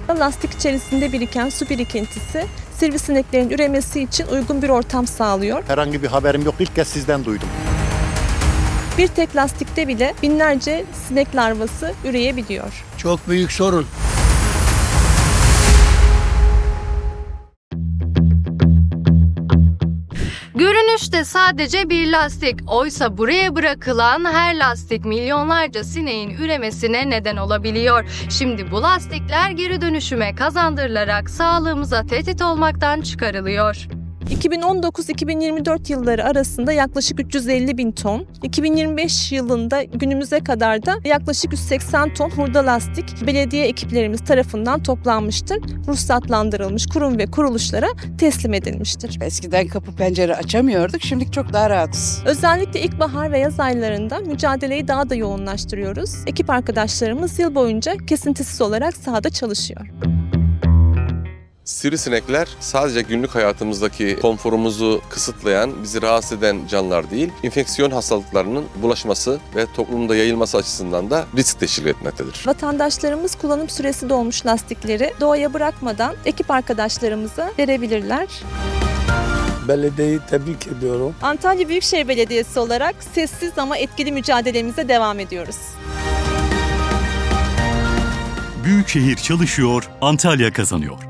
Lastik içerisinde biriken su birikintisi sivrisineklerin üremesi için uygun bir ortam sağlıyor. Herhangi bir haberim yok. İlk kez sizden duydum. Bir tek lastikte bile binlerce sinek larvası üreyebiliyor. Çok büyük sorun. Görünüşte sadece bir lastik, oysa buraya bırakılan her lastik milyonlarca sineğin üremesine neden olabiliyor. Şimdi bu lastikler geri dönüşüme kazandırılarak sağlığımıza tehdit olmaktan çıkarılıyor. 2019-2024 yılları arasında yaklaşık 350 bin ton, 2025 yılında günümüze kadar da yaklaşık 180 ton hurda lastik belediye ekiplerimiz tarafından toplanmıştır. Ruhsatlandırılmış kurum ve kuruluşlara teslim edilmiştir. Eskiden kapı pencere açamıyorduk, şimdi çok daha rahatız. Özellikle ilkbahar ve yaz aylarında mücadeleyi daha da yoğunlaştırıyoruz. Ekip arkadaşlarımız yıl boyunca kesintisiz olarak sahada çalışıyor. Sivrisinekler sadece günlük hayatımızdaki konforumuzu kısıtlayan, bizi rahatsız eden canlılar değil, enfeksiyon hastalıklarının bulaşması ve toplumda yayılması açısından da risk teşkil etmektedir. Vatandaşlarımız kullanım süresi dolmuş lastikleri doğaya bırakmadan ekip arkadaşlarımıza verebilirler. Belediyeyi tebrik ediyorum. Antalya Büyükşehir Belediyesi olarak sessiz ama etkili mücadelemize devam ediyoruz. Büyükşehir çalışıyor, Antalya kazanıyor.